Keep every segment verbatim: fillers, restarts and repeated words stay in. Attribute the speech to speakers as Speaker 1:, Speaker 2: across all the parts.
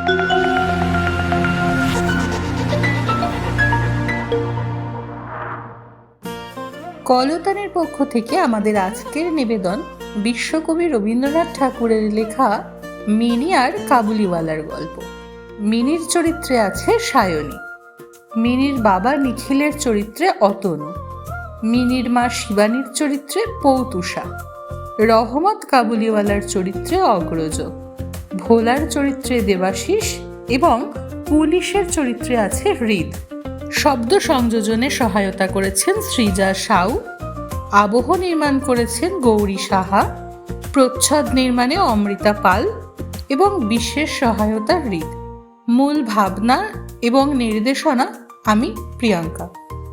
Speaker 1: কলতানের পক্ষ থেকে আমাদের আজকের নিবেদন বিশ্বকবি রবীন্দ্রনাথ ঠাকুরের লেখা মিনি আর কাবুলিওয়ালার গল্প। মিনির চরিত্রে আছে সায়নী, মিনির বাবা নিখিলের চরিত্রে অতনু, মিনির মা শিবানীর চরিত্রে পৌতুষা, রহমত কাবুলিওয়ালার চরিত্রে অগ্রজ, ভোলার চরিত্রে দেবাশিস এবং পুলিশের চরিত্রে আছে হৃদ। শব্দ সংযোজনে সহায়তা করেছেন সৃজা সাউ, আবহ নির্মাণ করেছেন গৌরী সাহা, প্রচ্ছদ নির্মাণে অমৃতা পাল এবং বিশেষ সহায়তা হৃদ। মূল ভাবনা এবং নির্দেশনা আমি প্রিয়াঙ্কা।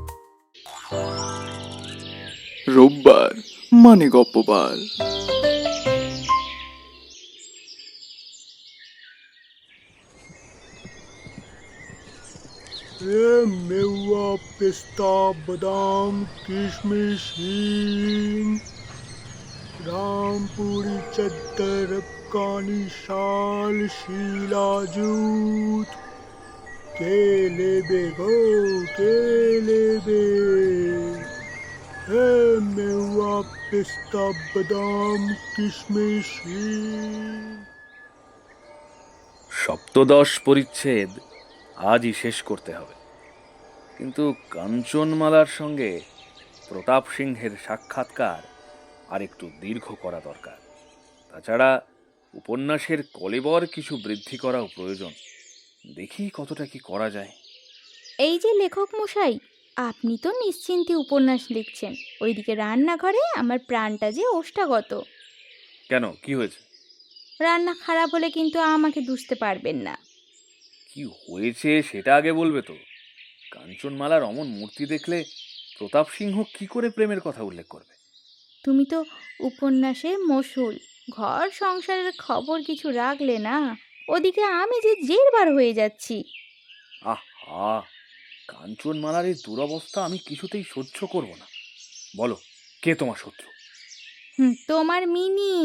Speaker 2: রোববার মানে গপ্পবার।
Speaker 3: मेवा पिस्ता बादाम किशमिश हींग रामपुरी चद्दर अफगानी शाल शीला जूत केले बेगो केले बे मेवा पिस्ता बादाम किशमिश हींग।
Speaker 4: সপ্তদশ পরিচ্ছেদ আজই শেষ করতে হবে, কিন্তু কাঞ্চনমালার সঙ্গে প্রতাপ সিংহের সাক্ষাৎকার আর একটু দীর্ঘ করা দরকার। তাছাড়া উপন্যাসের কলেবর কিছু বৃদ্ধি করাও প্রয়োজন। দেখি কতটা কি করা যায়।
Speaker 5: এই যে লেখক মশাই, আপনি তো নিশ্চিন্তে উপন্যাস লিখছেন, ওইদিকে রান্নাঘরে আমার প্রাণটা যে ওষ্ঠাগত।
Speaker 4: কেন, কি হয়েছে?
Speaker 5: রান্না খারাপ হলে কিন্তু আমাকে দুষতে পারবেন না।
Speaker 4: কি হয়েছে সেটা আগে বলবে তো। কাঞ্চনমালার অমন মূর্তি দেখলে প্রতাপ সিংহ কি করে প্রেমের কথা উল্লেখ করবে?
Speaker 5: তুমি তো উপন্যাসে মশুল, ঘর সংসারের খবর কিছু রাখলে না, ওদিকে আমি যে জেরবার হয়ে যাচ্ছি।
Speaker 4: আহা, কাঞ্চনমালার এই দুরবস্থা আমি কিছুতেই সহ্য করব না। বলো, কে তোমার শত্রু?
Speaker 5: হুম, তোমার মিনি।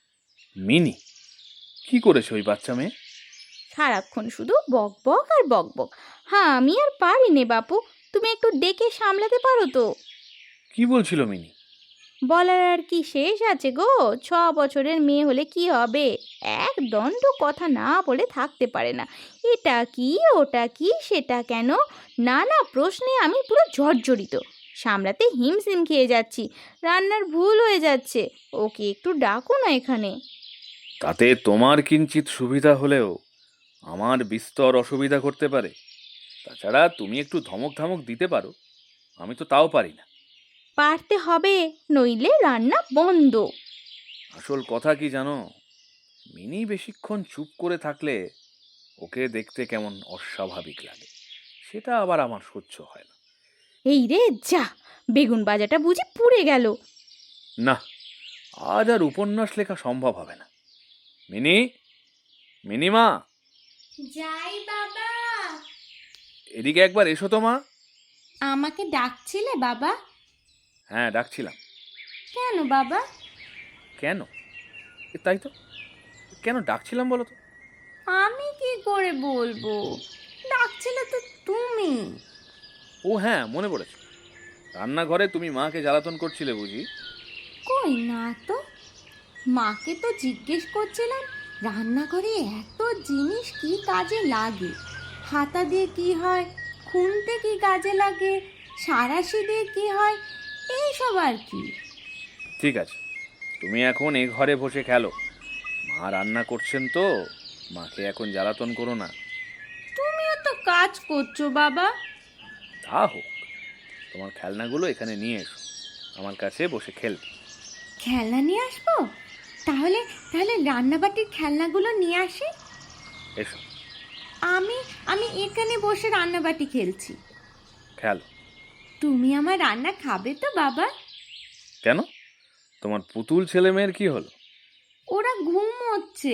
Speaker 4: মিনি? কি করেছে ওই বাচ্চা মেয়ে?
Speaker 5: সারাক্ষণ শুধু বক বক আর বক বক। হ্যাঁ, আমি আর পারি নে বাপু, তুমি একটু ডেকে সামলাতে পারো তো?
Speaker 4: কি বলছিল মিনি?
Speaker 5: বলার আর কি শেষ আছে গো? ছ বছরের মেয়ে হলে কি হবে, এক দণ্ড কথা না বলে থাকতে পারে না। এটা কি, ওটা কি, সেটা কেন, নানা প্রশ্নে আমি পুরো জর্জরিত। সামলাতে হিমশিম খেয়ে যাচ্ছি, রান্নার ভুল হয়ে যাচ্ছে। ওকে একটু ডাকো না এখানে।
Speaker 4: তাতে তোমার কিঞ্চিত সুবিধা হলেও আমার বিস্তর অসুবিধা করতে পারে। তাছাড়া তুমি একটু ধমক ধমক দিতে পারো, আমি তো তাও পারি না।
Speaker 5: পারতে হবে, নইলে রান্না বন্ধ।
Speaker 4: আসল কথা কি জানো, মিনি বেশিক্ষণ চুপ করে থাকলে ওকে দেখতে কেমন অস্বাভাবিক লাগে, সেটা আবার আমার সহ্য হয় না।
Speaker 5: এই রে যা, বেগুন বাজাটা বুঝি পুড়ে গেল।
Speaker 4: না, আজ আর উপন্যাস লেখা সম্ভব হবে না। মিনি, মিনিমা,
Speaker 5: যাই বাবা।
Speaker 4: এদিকে একবার এসো তো মা।
Speaker 5: আমাকে ডাকছিলে বাবা?
Speaker 4: হ্যাঁ, ডাকছিলাম।
Speaker 5: কেন বাবা?
Speaker 4: কেন? তাই তো, কেন ডাকছিলাম বলো তো?
Speaker 5: আমি কি করে বলবো, ডাকছিলে তো তুমি।
Speaker 4: ও হ্যাঁ, মনে পড়েছে, রান্নাঘরে তুমি মাকে জ্বালাতন করছিলে বুঝি?
Speaker 5: কই না তো, মাকে তো জিজ্ঞেস করছিলাম রান্নাঘরে এত জিনিস কি কাজে লাগে, হাতা দিয়ে কি হয়, খুন্তি কি কাজে লাগে, সাঁড়াশি দিয়ে কি হয়, এইসব আর কি।
Speaker 4: ঠিক আছে, তুমি এখন এ ঘরে বসে খেলো। মা রান্না করছেন তো, মাকে এখন জ্বালাতন করো না।
Speaker 5: তুমিও তো কাজ করছো বাবা।
Speaker 4: তা হোক, তোমার খেলনাগুলো এখানে নিয়ে এসো, আমার কাছে বসে খেলবে।
Speaker 5: খেলনা নিয়ে আসবো? তাহলে তাহলে রান্নাবাটির খেলনাগুলো নিয়ে আসি।
Speaker 4: এসো।
Speaker 5: আমি আমি এখানে বসে রান্নাবাটি খেলছি।
Speaker 4: খেলো।
Speaker 5: তুমি আমার রান্না খাবে তো বাবা?
Speaker 4: কেন, তোমার পুতুল ছেলে মেয়ের কি হলো?
Speaker 5: ওরা ঘুমোচ্ছে।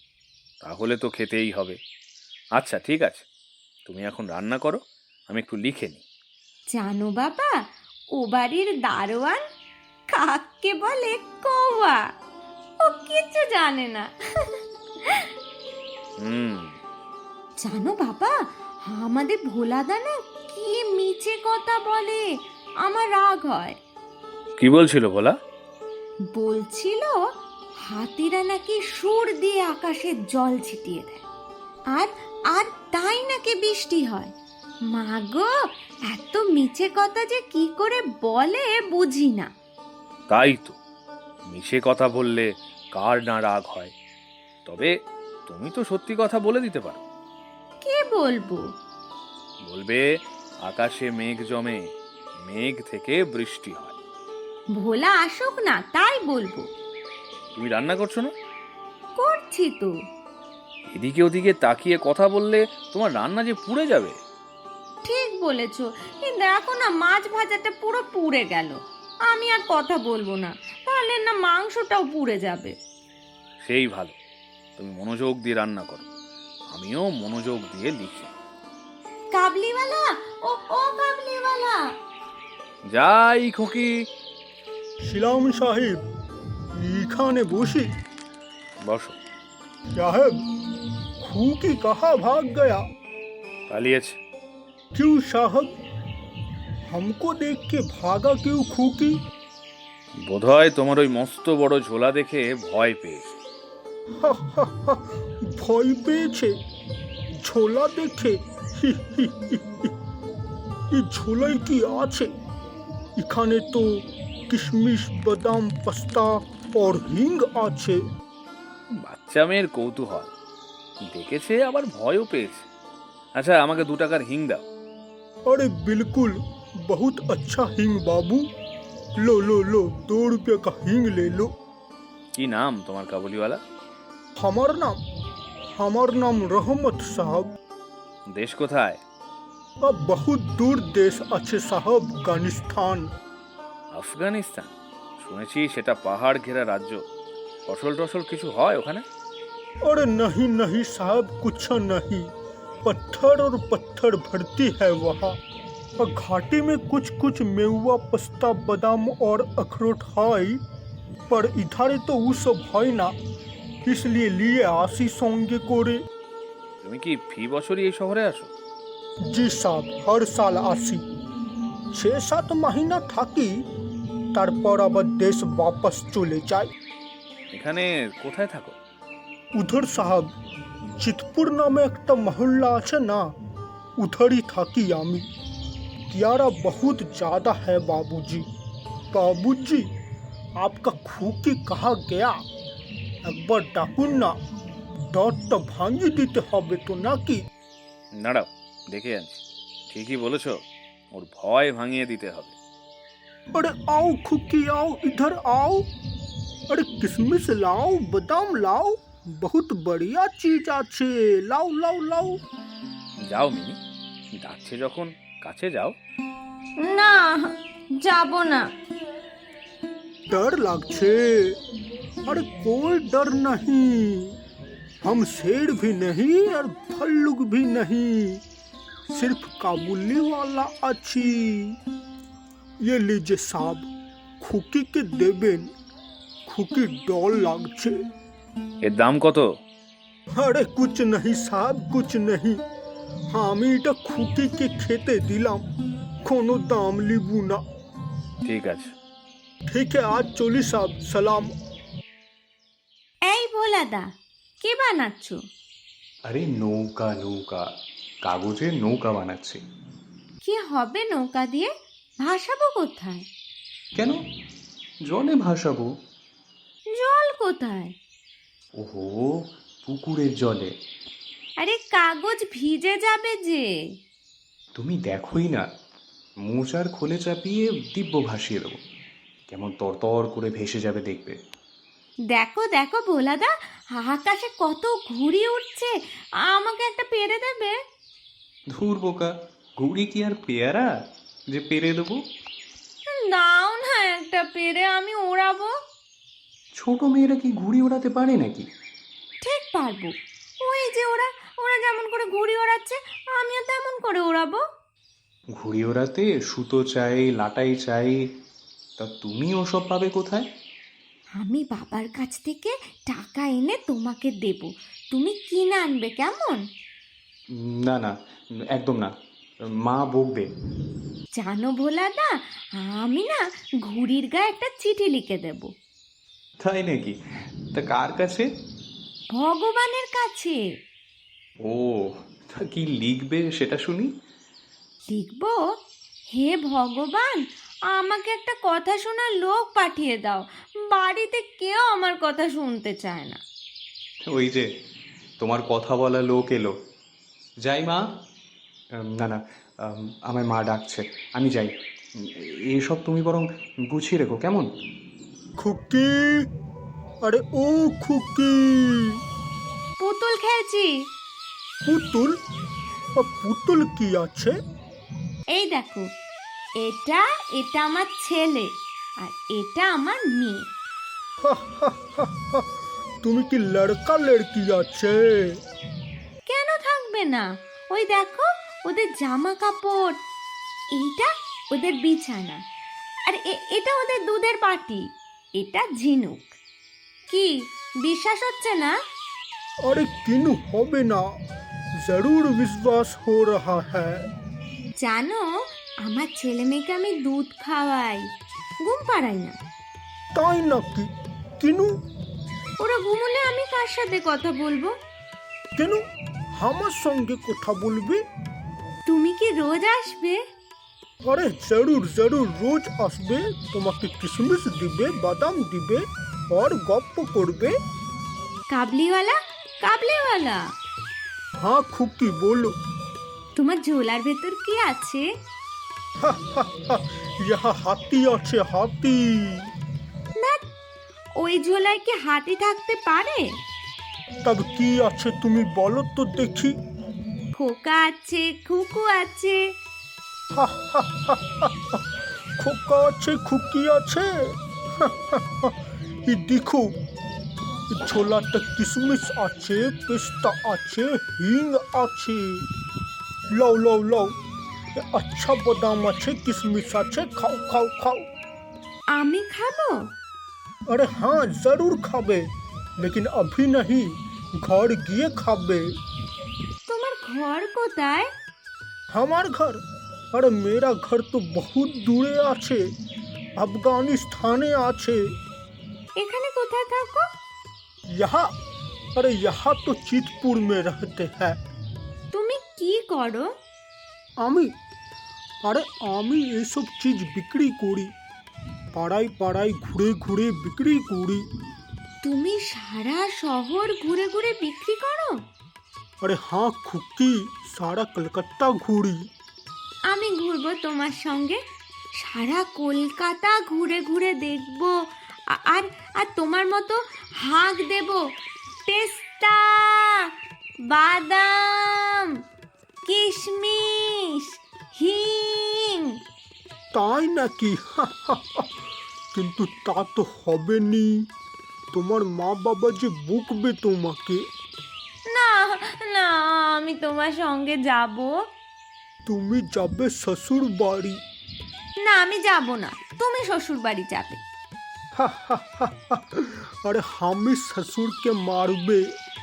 Speaker 4: তাহলে তো খেতেই হবে। আচ্ছা ঠিক আছে, তুমি এখন রান্না করো, আমি একটু লিখে নিই।
Speaker 5: জানো বাবা, ও বাড়ির দারোয়ান কাককে বলে কৌয়া, ও কিছু জানে না।
Speaker 4: হুম,
Speaker 6: জানো বাবা, আমাদের ভোলাদা না কি মিছে কথা বলে, আমার রাগ হয়।
Speaker 4: কি বলছিল বলা?
Speaker 6: বলছিল হাতিরা নাকি সুর দিয়ে আকাশে জল ছিটিয়ে দেয়, আর আর তাই নাকি বৃষ্টি হয়। মা গো, এত মিছে কথা যে কি করে বলে বুঝি না।
Speaker 4: তাই তো, মিশে কথা বললে কার না রাগ হয়। তবে তুমি তো সত্যি কথা বলে দিতে পারো।
Speaker 6: কে বলবো?
Speaker 4: বলবে আকাশে মেঘ জমে, মেঘ থেকে বৃষ্টি হয়।
Speaker 6: ভোলা আসুক না, তাই বলবো।
Speaker 4: তুমি রান্না করছো না?
Speaker 6: করছি তো।
Speaker 4: এদিকে ওদিকে তাকিয়ে কথা বললে তোমার রান্না যে পুড়ে যাবে।
Speaker 6: ঠিক বলেছো, এই দেখো না, মাছ ভাজাটা পুরো পুড়ে গেল। আমি আর কথা বলবো না, তাহলে না মাংসটাও পুড়ে যাবে।
Speaker 4: সেই ভালো, তুমি মনোযোগ দিয়ে রান্না করো, আমিও মনোযোগ দিয়ে লিখি।
Speaker 6: কাবলিওয়ালা, ও ও কাবলিওয়ালা।
Speaker 4: যাই খোকি।
Speaker 3: শিলাম সাহেব, এখানে বসি।
Speaker 4: বসো।
Speaker 3: साहब, खूकी कहाँ भाग गया?
Speaker 4: পালিয়েছে।
Speaker 3: क्यों साहब? हमको देख के भागा क्यों खूकी?
Speaker 4: বোধহয় তোমার ওই মস্ত বড় ঝোলা দেখে ভয় পেয়েছে।
Speaker 3: ভয় পেয়েছে? ঝোলা দেখে? এই ঝোলাই কি আছে? এখানে তো কিশমিশ, বাদাম, পাস্তা और হিং আছে।
Speaker 4: বাচ্চা মেয়ের কৌতূহল, দেখেছে আবার ভয়ও পেয়েছে। আচ্ছা, আমাকে দু টাকার হিং দাও।
Speaker 3: अरे बिल्कुल, बहुत अच्छा हिंग बाबू। लो लो लो, दो रुपये का हिंग ले लो।
Speaker 4: কি নাম তোমার কাবুলিওয়ালা?
Speaker 3: हमार नाम हमार नाम रहमत साहब।
Speaker 4: দেশ কোথায়?
Speaker 3: अब बहुत दूर देश अच्छे साहब, अफगानिस्तान।
Speaker 4: আফগানিস্তান? শুনেছি সেটা পাহাড় ঘেরা রাজ্য। ফসল টসল কিছু হয় ওখানে?
Speaker 3: अरे नहीं नहीं साहब, कुछ नहीं। पत्थर और पत्थर भरती है वहाँ। और घाटी में कुछ कुछ मेवा, पस्ता, बादाम और अखरोट है, पर इधर तो वो सब है ना, इसलिए लिए आसी सोंगे कोरे।
Speaker 4: তুমি কি ফি বছরই এই শহরে আসো?
Speaker 3: जी साहब, हर साल आसी। छः सात महीना থাকি, তারপর আবার দেশ वापस চলে যাই।
Speaker 4: এখানে কোথায় থাকো?
Speaker 3: उधर साहब, चितपुर नामे একটা মহল্লা আছে না, उधर ही থাকি আমি। कियारा बहुत ज़्यादा है बाबूजी। बाबूजी, आपका खूकी कहाँ गया? একবার ডাকুন না, ডরটা ভাঙিয়ে দিতে হবে তো নাকি?
Speaker 4: দাঁড়াও, দেখে আনছি। ঠিকই বলেছ, ওর ভয় ভাঙিয়ে দিতে হবে।
Speaker 3: अरे आओ खूकी, आओ इधर आओ। अरे किशमिश लाओ, बादाम लाओ, बहुत बढ़िया चीज আছে, लाओ लाओ लाओ।
Speaker 4: যাও মিনি, ডাকছে যখন কাছে যাও।
Speaker 6: না, যাব না।
Speaker 3: डर লাগছে? अरे कोई डर नहीं, हम शेर भी नहीं और भल्लुक भी नहीं, सिर्फ काबुली वाला अच्छी। ये लीजिए साहब, খুকি কে দেবেন, খুকি ডর লাগছে।
Speaker 4: এর দাম কত?
Speaker 3: আরে কুছ नहीं साहब, कुछ नहीं। আমি এটা খুকিকে খেতে দিলাম, কোনো দাম লিবু না।
Speaker 4: ঠিক আছে।
Speaker 3: ঠিক है, आज চলি সাহেব, সালাম।
Speaker 6: এই ভোলাদা, কে বানাচ্ছো?
Speaker 7: আরে নৌকা নৌকা, কাগজের নৌকা বানাচ্ছি।
Speaker 6: কি হবে নৌকা দিয়ে? ভাসাবো কোথায়?
Speaker 7: কেন? জলে ভাসাবো।
Speaker 6: জল কোথায়?
Speaker 7: ওহো, পুকুরের জলে।
Speaker 6: আরে কাগজ ভিজে যাবে যে।
Speaker 7: তুমি দেখোই না, মোচার খোলে চাপিয়ে দিব্য ভাসিয়ে দেবো, কেমন তরতর করে ভেসে যাবে দেখবে।
Speaker 6: দেখো দেখো ভোলাদা, আকাশে কত ঘুড়ি উঠছে, আমাকে একটা পেরে দেবে?
Speaker 7: ধুর বোকা, ঘুড়ি কি আর পেয়ারা যে পেরে দেবো?
Speaker 6: দাও না একটা পেরে, আমি ওড়াবো।
Speaker 7: ছোট মেয়েরা কি ঘুড়ি ওড়াতে পারে নাকি?
Speaker 6: ঠিক পারবো। ওই যে ওরা ওরা যেমন করে ঘুড়ি ওড়াচ্ছে, আমিও তেমন করে ওড়াবো।
Speaker 7: ঘুড়ি ওড়াতে সুতো চাই, লাটাই চাই, তা তুমি ওসব পাবে কোথায়?
Speaker 6: আমি বাবার কাছ থেকে টাকা এনে তোমাকে দেব, তুমি কিনে আনবে, কেমন?
Speaker 7: না না, একদম না, মা বকবে।
Speaker 6: জানো ভোলাদা, আমি না ঘুড়ির গায়ে একটা চিঠি লিখে দেব।
Speaker 7: তাই নাকি? তা কার কাছে?
Speaker 6: ভগবানের কাছে।
Speaker 7: ও, তা কি লিখবে সেটা শুনি।
Speaker 6: লিখব, হে ভগবান, আমাকে একটা কথা শোনার লোক পাঠিয়ে দাও। বাড়িতে কেউ আমার কথা শুনতে চায় না।
Speaker 7: ওই যে তোমার কথা বলা লোক এলো। যাই মা। আম, না না, আম, আমার মা ডাকছে, আমি যাই। উম, এসব তুমি বরং গুছিয়ে রেখো, কেমন?
Speaker 3: খুকি, আরে ও খুকি।
Speaker 6: পুতুল খেলছি।
Speaker 3: পুতুল? আ, পুতুল কি আছে?
Speaker 6: এই দেখো, এটা এটা আমার ছেলে আর এটা আমার মেয়ে।
Speaker 3: তুমি কি লড়কা লড়কি আছে?
Speaker 6: কেন থাকবে না? ওই দেখো ওদের জামা কাপড়, এইটা ওদের বিছানা, আর এ- এটা ওদের দুধের বাটি, এটা ঝিনুক। কি বিশ্বাস হচ্ছে না?
Speaker 3: अरे किनु होबे ना, जरूर विश्वास हो रहा है।
Speaker 6: জানো, আমার ছেলে মেয়েকে আমি দুধ খাওয়াই, ঘুম পাড়াই না।
Speaker 3: তাই নাকি? কিনু?
Speaker 6: ওরা ঘুমোলে আমি কার সাথে কথা বলবো?
Speaker 3: কেন আমার সঙ্গে কথা বলবে?
Speaker 6: তুমি কি রোজ আসবে?
Speaker 3: আরে জরুর জরুর, রোজ আসবে, তোমাকে কিশমিশ দিবে, বাদাম দিবে, আর গপ্প করবে।
Speaker 6: কাবলিওয়ালা, কাবলিওয়ালা,
Speaker 3: হ্যাঁ খুকি বলো।
Speaker 6: তোমার ঝোলার ভেতর কি আছে?
Speaker 3: ইহা হাতি আছে, হাতি।
Speaker 6: না, ওই ঝোলায় কি হাতি থাকতে পারে?
Speaker 3: তব কি আছে তুমি বলো তো দেখি।
Speaker 6: খোকা আছে, খুকু আছে।
Speaker 3: খোকা আছে, খুকি আছে। এই দেখো, ছোলাতে কিশমিশ আছে, পেস্তা আছে, হিং আছে। লাও লাও লাও, এ আচ্ছা বাদাম আছে, কিশমিশ আছে, খাও খাও খাও।
Speaker 6: আমি খাবো?
Speaker 3: अरे हाँ जरूर खाबे, लेकिन अभी नहीं, घर গিয়ে খাবে।
Speaker 6: তোমার ঘর কোথায়?
Speaker 3: हमार घर? अरे मेरा घर तो बहुत दूरे আছে, अफगानिस्ताने আছে।
Speaker 6: এখানে কোথায় থাকো?
Speaker 3: यहाँ? अरे यहाँ तो चितपुर में रहते हैं।
Speaker 6: তুমি কি করো?
Speaker 3: আমি? আরে আমি এইসব চিজ বিক্রি করি, পাড়ায় পাড়ায় ঘুরে ঘুরে বিক্রি করি।
Speaker 6: তুমি সারা শহর ঘুরে ঘুরে বিক্রি করো?
Speaker 3: আরে हाँ খুকি, সারা কলকাতা ঘুরি।
Speaker 6: আমি ঘুরবো তোমার সঙ্গে, সারা কলকাতা ঘুরে ঘুরে দেখবো, আ- আর আর তোমার মতো হাঁক দেব, পেস্তা, বাদাম, কিশমিশ, হিং।
Speaker 3: তাই নাকি? কিন্তু তা তো হবে নি, তোমার মা বাবা যে বকবে তোমাকে।
Speaker 6: না না, আমি তোমার সঙ্গে যাব
Speaker 3: তুমি যাবে শ্বশুর বাড়ি।
Speaker 6: না। আমি যাব না, তুমি শ্বশুর বাড়ি যাবে।
Speaker 3: আরে আমি শ্বশুরকে মারবে।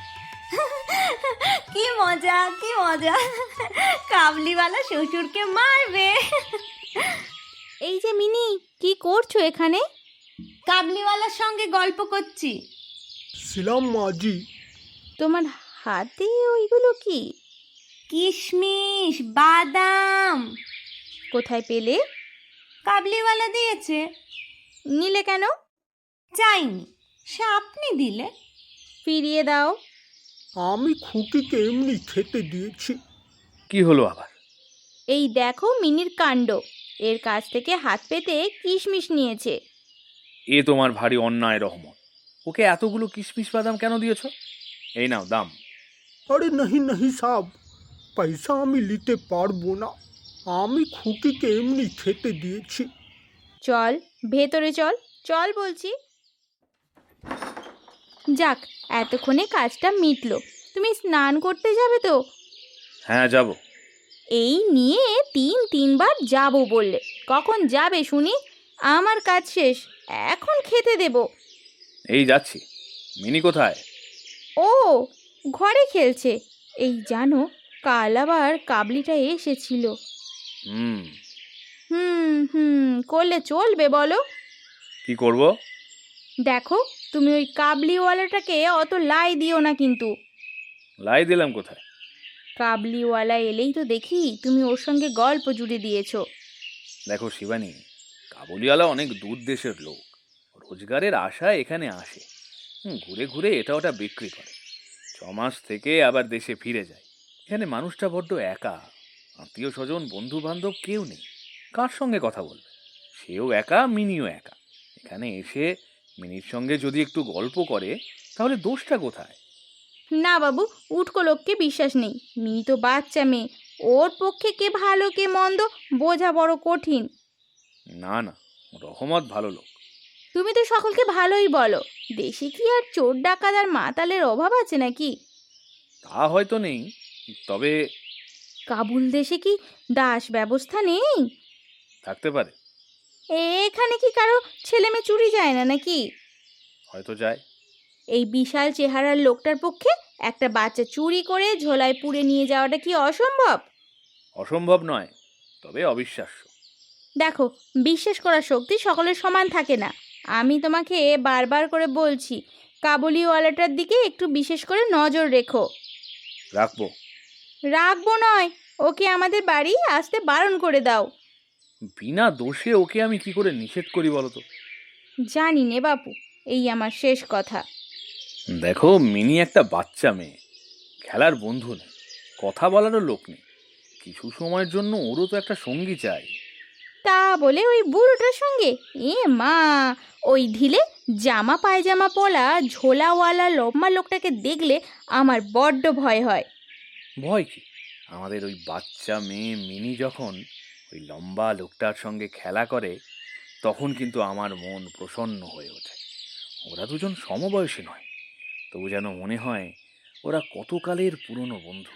Speaker 6: কি মজা, কি মজা, কাবলিওয়ালা শ্বশুরকে মারবে।
Speaker 5: এই যে মিনি, কি করছো এখানে?
Speaker 6: কাবলিওয়ালার সঙ্গে গল্প করছি।
Speaker 3: ছিলাম মাঝি।
Speaker 5: তোমার হাতে ওইগুলো কি?
Speaker 6: কিশমিশ, বাদাম।
Speaker 5: কোথায় পেলে?
Speaker 6: কাবলিওয়ালা দিয়েছে।
Speaker 5: নিলে কেন?
Speaker 6: চাইনি, সে আপনি দিলে।
Speaker 5: ফিরিয়ে দাও।
Speaker 3: আমি খুকিকে এমনি খেতে দিয়েছি।
Speaker 4: কি হলো আবার?
Speaker 5: এই দেখো মিনির কাণ্ড, এর কাছ থেকে হাত পেতে কিশমিশ নিয়েছে।
Speaker 4: এ তোমার ভারী অন্যায় রহমত। ওকে এতগুলো কিশমিশ বাদাম কেন দিয়েছ? এই নাও দাম।
Speaker 3: আরে নাহি নাহি সাব, পয়সা আমি নিতে পারবো না, আমি খুকিকে এমনি খেতে দিয়েছি।
Speaker 5: চল ভেতরে চল, চল বলছি। যাক, এতক্ষণে কাজটা মিটলো। তুমি স্নান করতে যাবে তো?
Speaker 4: হ্যাঁ যাব।
Speaker 5: এই নিয়ে তিন তিনবার যাব বললে, কখন যাবে শুনি? আমার কাজ শেষ, এখন খেতে দেব।
Speaker 4: এই যাচ্ছি। মিনি কোথায়?
Speaker 5: ও ঘরে খেলছে। এই জানো, কাল আবার কাবলিটা এসেছিল।
Speaker 4: হুম,
Speaker 5: হুম হুম করলে চলবে বলো?
Speaker 4: কি করব?
Speaker 5: দেখো, তুমি ওই কাবলিওয়ালাটাকে অত লাই দিও না কিন্তু।
Speaker 4: লাই দিলাম কোথায়?
Speaker 5: কাবলিওয়ালা এলেই তো দেখি তুমি ওর সঙ্গে গল্প জুড়ে দিয়েছো।
Speaker 4: দেখো শিবানী, কাবুলিওয়ালা অনেক দূর দেশের লোক, রোজগারের আশায় এখানে আসে। হুম, ঘুরে ঘুরে এটা ওটা বিক্রি করে, ছ মাস থেকে আবার দেশে ফিরে যায়। এখানে মানুষটা বড্ড একা, আত্মীয় স্বজন বন্ধু বান্ধব কেউ নেই। কার সঙ্গে কথা বলবে? সেও একা, মিনিও একা। এখানে এসে মিনির সঙ্গে যদি একটু গল্প করে তাহলে দোষটা কোথায়?
Speaker 5: না বাবু, উটকো লোককে বিশ্বাস নেই। মিনি তো বাচ্চা মেয়ে, ওর পক্ষে কে ভালো কে মন্দ বোঝা বড় কঠিন।
Speaker 4: না না, রহমত ভালো লোক।
Speaker 5: তুমি তো সকলকে ভালোই বলো, দেশে কি আর চোর ডাকাত আর মাতালের অভাব আছে নাকি?
Speaker 4: তা হয়তো নেই, তবে
Speaker 5: কাবুল দেশে কি দাস ব্যবস্থা নেই?
Speaker 4: থাকতে পারে।
Speaker 5: এখানে কি কারো ছেলে মেয়ে চুরি যায় না নাকি?
Speaker 4: হয়তো যায়।
Speaker 5: এই বিশাল চেহারার লোকটার পক্ষে একটা বাচ্চা চুরি করে ঝোলায় পুড়ে নিয়ে যাওয়াটা কি অসম্ভব?
Speaker 4: অসম্ভব নয়, তবে অবিশ্বাস্য।
Speaker 5: দেখো, বিশ্বাস করার শক্তি সকলের সমান থাকে না। আমি তোমাকে বারবার করে বলছি, কাবুলিওয়ালাটার দিকে একটু বিশেষ করে নজর রেখো।
Speaker 4: রাখবো।
Speaker 5: রাখবো নয়, ওকে আমাদের বাড়ি আসতে বারণ করে দাও।
Speaker 4: বিনা দোষে ওকে আমি কি করে নিষেধ করি বলো তো?
Speaker 5: জানি নে বাপু, এই আমার শেষ কথা।
Speaker 4: দেখো, মিনি একটা বাচ্চা মেয়ে, খেলার বন্ধু নেই, কথা বলারও লোক নেই। কিছু সময়ের জন্য ওরও তো একটা সঙ্গী চাই।
Speaker 5: তা বলে ওই বুড়োটার সঙ্গে? এ মা, ওই ঢিলে জামা পায়জামা পলা ঝোলাওয়ালা লম্বা লোকটাকে দেখলে আমার বড্ড ভয় হয়।
Speaker 4: ভয় কি? আমাদের ওই বাচ্চা মেয়ে মিনি যখন ওই লম্বা লোকটার সঙ্গে খেলা করে তখন কিন্তু আমার মন প্রসন্ন হয়ে ওঠে। ওরা দুজন সমবয়সী নয়, তবু যেন মনে হয় ওরা কতকালের পুরনো বন্ধু।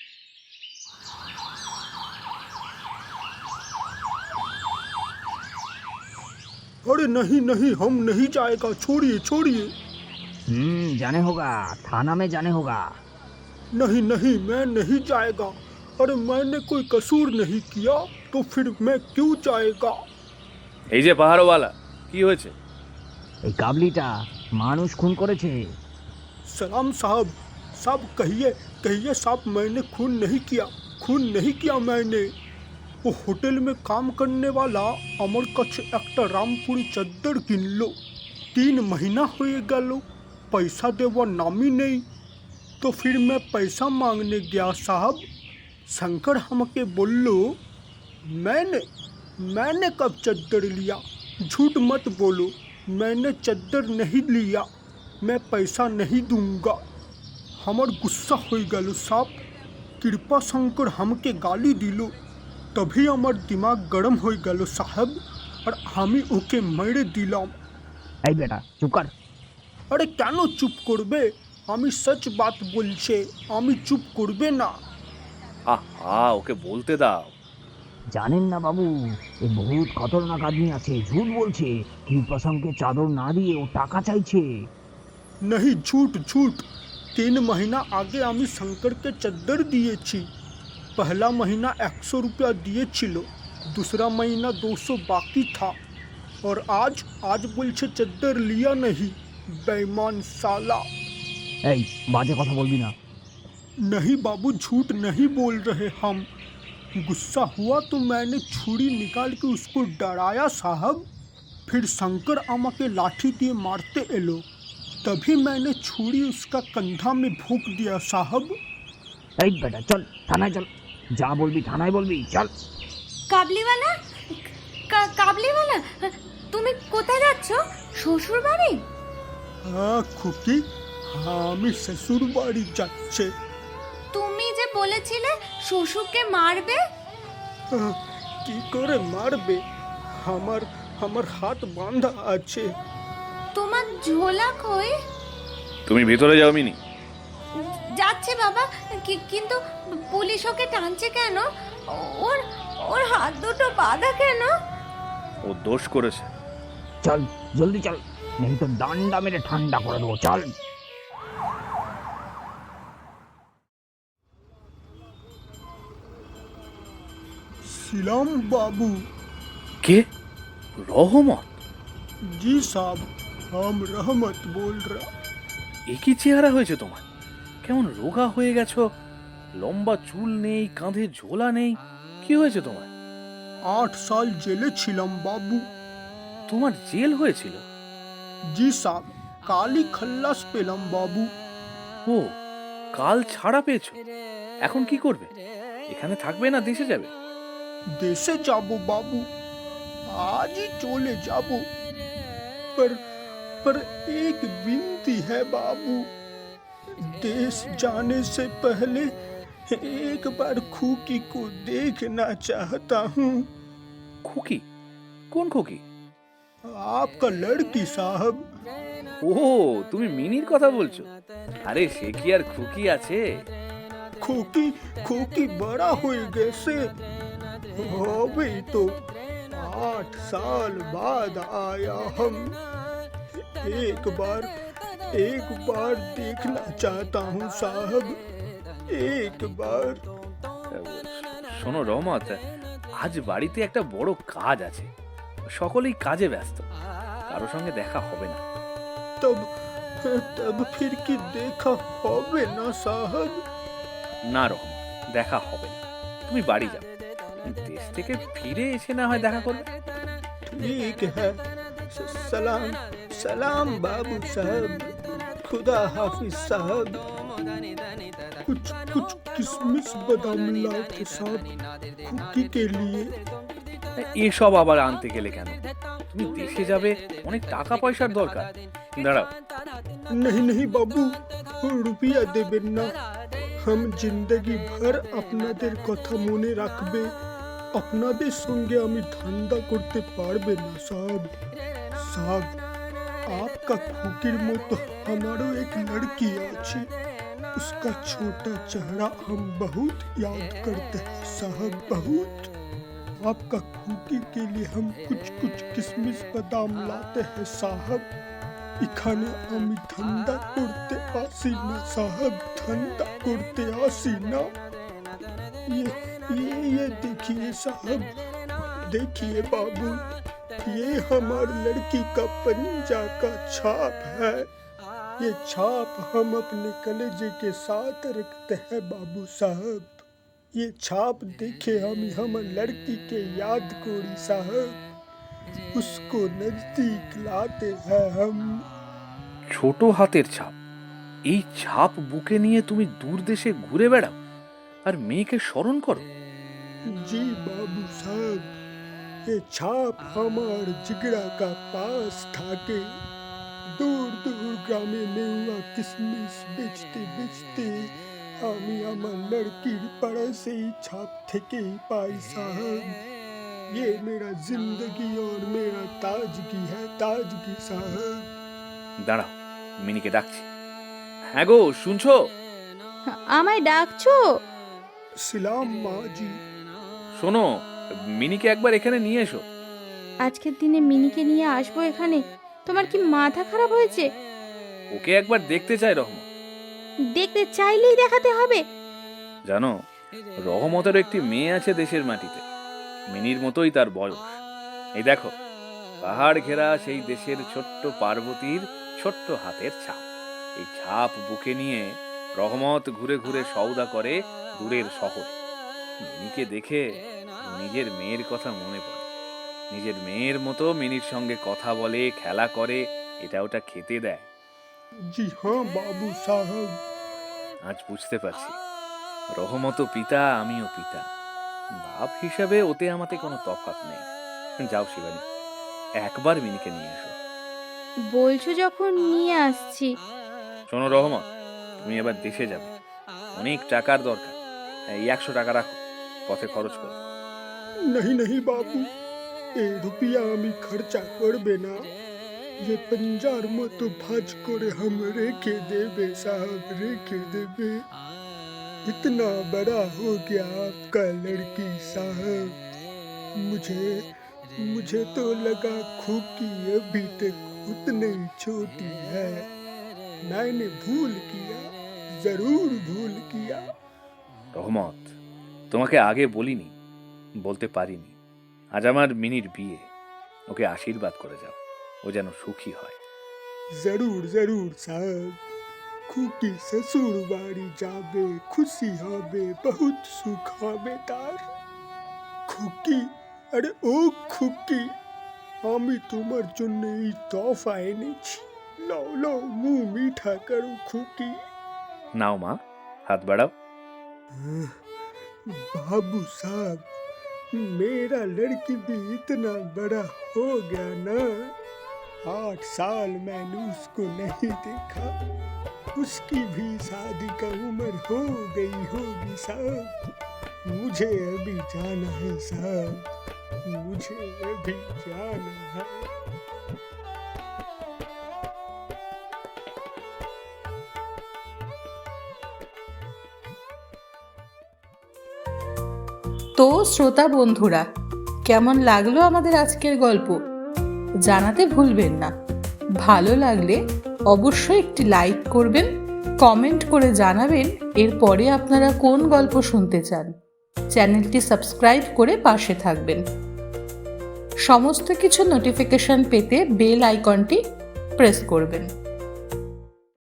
Speaker 3: अरे नहीं नहीं, हम नहीं जाएगा, छोड़िए छोड़िए।
Speaker 8: हम्म जाने होगा, थाना में जाने होगा।
Speaker 3: नहीं नहीं, मैं नहीं जाएगा। अरे मैंने कोई कसूर नहीं किया तो फिर मैं क्यों जाएगा?
Speaker 4: এই যে পাহাড়ওয়ালা, কি হয়েছে?
Speaker 8: এই কাবলিটা মানুষ খুন করেছে।
Speaker 3: सलाम साहब, साहब कहिए कहिए साहब, मैंने खून नहीं किया, खून नहीं किया मैंने। वो होटल में काम करने वाला আমার কাছে একটা রামপুরি চাদর কিনলো, तीन महीना हो गया, पैसा देवा नामी नहीं। तो फिर मैं पैसा मांगने गया साहब, शंकर हमके बोलो मैंने मैंने कब चादर लिया? झूठ मत बोलो, मैंने चादर नहीं लिया, मैं पैसा नहीं दूंगा। हमार गुस्सा हो गल साहब, कृपा शंकर हमके गाली दिलो, तभी हमार दिमाग गरम हो गल साहब, और हमी ओके मेरे दिलाम।
Speaker 8: এই বেটা চুপ কর।
Speaker 3: अरे क्यों चुप करबे? আমি सच बात बोलছে, আমি চুপ করবে না।
Speaker 4: আহা, ওকে বলতে দাও।
Speaker 8: জানেন না বাবু, এ বহুত খতরনাক আদমি আছে, ঝুট বলছে। কৃপাশঙ্কে চাদর না দিয়ে ও টাকা চাইছে।
Speaker 3: नहीं झूठ झूठ, तीन महीना आगे আমি শঙ্করকে চাদর দিয়েছি। पहला महीना एक सौ रुपया दिए छिलो, दूसरा महीना दो सौ बाकी था, और आज आज बोलছে चादर लिया नहीं। बेईमान साला।
Speaker 8: এই বাজে কথা বলবি না।
Speaker 3: नहीं बाबू, झूठ नहीं बोल रहे हम। गुस्सा हुआ तो मैंने छुरी निकाल के उसको डराया साहब, फिर शंकर आमा के लाठी दिए मारते एलो, तभी मैंने छुरी उसका कंधा में भोंक दिया साहब।
Speaker 8: এই বেটা চল থানায় চল, যা বলবি থানায় বলবি, চল।
Speaker 6: কাবলিওয়ালা, কা- কাবলিওয়ালা, তুমি কোথায় যাচ্ছ? শ্বশুর বাড়ি?
Speaker 3: हाँ খুকি, আমি শ্বশুর বাড়ি যাচ্ছে।
Speaker 6: তুমি যে বলেছিলে শ্বশুরকে মারবে।
Speaker 3: আহ, কি করে মারবে? আমার আমার হাত বাঁধা আছে।
Speaker 6: তোমার ঝোলা কই?
Speaker 4: তুমি ভিতরে যাও মিনি।
Speaker 6: যাচ্ছে বাবা, কি- কিন্তু পুলিশ ওকে টানছে কেন? ওর ওর হাত দুটো বাঁধা কেন?
Speaker 4: ও দোষ করেছে।
Speaker 8: চল জলদি চল, নেই তো ডান্ডা মেরে ঠান্ডা করে দেবো, চল।
Speaker 3: सिलाम बाबू।
Speaker 4: কে? রহমত?
Speaker 3: जी साहब, हम रहमत बोल रहा।
Speaker 4: এ কি চেহারা হয়েছে তোমার? কেমন রোগা হয়ে গেছো, লম্বা চুল নেই, কাঁধে ঝোলা নেই, কি হয়েছে তোমার?
Speaker 3: आठ साल जेले छिलम बाबू।
Speaker 4: তোমার জেল হয়েছিল?
Speaker 3: जी साहब, काली खल्लास पेलम बाबू।
Speaker 4: ও, কাল ছাড়া পেয়েছো, এখন কি করবে? এখানে থাকবে না দেশে যাবে?
Speaker 3: देशे जाबो बाबू, आज ही चले जाबो। पर पर एक विनती है बाबू, देश जाने से पहले एक बार खुकी को देखना चाहता हूँ।
Speaker 4: খুকি? কোন খুকি?
Speaker 3: आपका लड़की साहब।
Speaker 4: ও, তুমি মিনির কথা বলছো? আরে সে কি আর খুকি আছে?
Speaker 3: खोकी खोकी बड़ा हो गए से अबे तो आठ साल बाद आया हम। एक बार एक बार देखना चाहता हूँ साहब, एक बार।
Speaker 4: শোনো রহমত, আজ বাড়িতে একটা বড় কাজ আছে, সকলেই কাজে ব্যস্ত, কারো সঙ্গে দেখা হবে না।
Speaker 3: तब तब फिर की देखा होवे ना साहब?
Speaker 4: না রহমত, দেখা হবে না, তুমি বাড়ি যাও, দেশ থেকে ফিরে এসে না হয় দেখা করবে।
Speaker 3: ठीक है, स- सलाम सलाम बाबू साहब, खुदा हाफिज साहब। कुछ कुछ किशमिश बादाम लाओ के साथ कुकी के लिए।
Speaker 4: এসব আবার আনতে গেলে কেন? তুমি দেশে যাবে, অনেক টাকা পয়সার দরকার। দাঁড়াও,
Speaker 3: नहीं नहीं बाबू, रुपया देबेन ना। हम जिंदगी भर আপনাদের কথা মনে রাখবে। আপনাদের সঙ্গে আমি ধান্দা করতে পারবে না साहब। साहब, आपका खुकीर मतो हमारो एक लड़की আছে, उसका छोटा चेहरा हम बहुत याद करते हैं साहब, बहुत। आपका खुकी के लिए हम कुछ कुछ किशमिश बादाम लाते हैं साहब। এখানে আমি ধান্দা করতে আসি না साहब, ধান্দা করতে আসি না। ये ये ये देखिए साहब, देखिए बाबू, ये हमारी लड़की का पंजा का छाप है। ये छाप हम अपने कलेजे के साथ रखते हैं बाबू साहब। ये छाप देखे हम हम लड़की के याद कोरी साहब, उसको नजदीक लाते हैं हम।
Speaker 4: ছোট হাতের ছাপ, এই ছাপ বুকে নিয়ে তুমি দূর দেশে ঘুরে বেড়াও আর মেয়েকে স্মরণ করো?
Speaker 3: जी बाबू साहब, ये छाप हमार जिगरा का पास था के दूर दूर ग्रामे में हुआ किशमिश बेचते बेचते আমি আমার लड़कीर पड़े से ही छाप থেকে पाई साहब। ये मेरा जिंदगी और मेरा ताजगी है, ताजगी साहब।
Speaker 4: দাঁড়াও, মিনিকে ডাকছি। হ্যাঁ গো, শুনছো?
Speaker 5: আমায় ডাকছো?
Speaker 3: सलाम माँ जी।
Speaker 4: শোনো, মিনিকে একবার এখানে নিয়ে এসো।
Speaker 5: আজকের দিনে মিনিকে নিয়ে আসবো এখানে? তোমার কি মাথা খারাপ হয়েছে?
Speaker 4: ওকে একবার দেখতে চাই রহমত।
Speaker 5: দেখতে চাইলেই দেখাতে হবে?
Speaker 4: জানো, রহমতের একটি মেয়ে আছে দেশের মাটিতে, মিনির মতোই তার বয়স। এই দেখো, পাহাড় ঘেরা সেই দেশের ছোট্ট পার্বতীর ছোট্ট হাতের ছাপ। এই ছাপ বুকে নিয়ে রহমত ঘুরে ঘুরে সওদা করে দূরের শহরে। মিনিকে দেখে নিজের মেয়ের কথা মনে পড়ে। নিজের মেয়ের মতো মিনির সঙ্গে কথা বলে, খেলা করে, এটা ওটা খেতে দেয়।
Speaker 3: जी हाँ बाबू साहब।
Speaker 4: আজ বুঝতে পারছি, রহমতও পিতা, আমিও পিতা। বাপ হিসাবে ওতে আমাতে কোনো তফাৎ নেই। যাও শিবানী, একবার মিনিকে নিয়ে এসো।
Speaker 5: বলছো যখন নিয়ে আসছি।
Speaker 4: শোনো রহমত, তুমি এবার দেশে যাবে, অনেক টাকার দরকার। এই একশো টাকা রাখো, পথে খরচ করো।
Speaker 3: नहीं नहीं बाबू, ए रुपया আমি খরচা করবে না। ये पंजार मतो भाज করে हम रेखे देबे साहब, रेखे देबे। इतना बड़ा हो गया आपका लड़की साहब, मुझे मुझे तो लगा खुकी अभी तक उतनी छोटी है। मैंने भूल किया, जरूर भूल किया।
Speaker 4: রহমত, তোমাকে আগে বলিনি, বলতে পারিনি। আজ আমার মিনির বিয়ে, ওকে আশীর্বাদ করে যাও, ও যেন সুখী হয়।
Speaker 3: जरूर जरूर साहब খুকি শ্বশুর বাড়ি যাবে, খুশি হবে, বহুত সুখ হবে তার। খুকি, আরে ও খুকি, আমি তোমার জন্য এই তোফা এনেছি, লও লও মুখ মিঠা করো খুকি।
Speaker 4: নাও মা, হাত বাড়াও।
Speaker 3: बाबू साहब, मेरा लड़की भी इतना बड़ा हो गया ना, आठ साल मैंने उसको नहीं देखा, उसकी भी शादी का उम्र हो गई होगी साहब। मुझे अभी जाना है साहब, मुझे अभी जाना है।
Speaker 1: তো শ্রোতা বন্ধুরা, কেমন লাগলো আমাদের আজকের গল্প জানাতে ভুলবেন না। ভালো লাগলে অবশ্যই একটি লাইক করবেন, কমেন্ট করে জানাবেন এরপরে আপনারা কোন গল্প শুনতে চান। চ্যানেলটি সাবস্ক্রাইব করে পাশে থাকবেন। সমস্ত কিছু নোটিফিকেশন পেতে বেল আইকনটি প্রেস করবেন।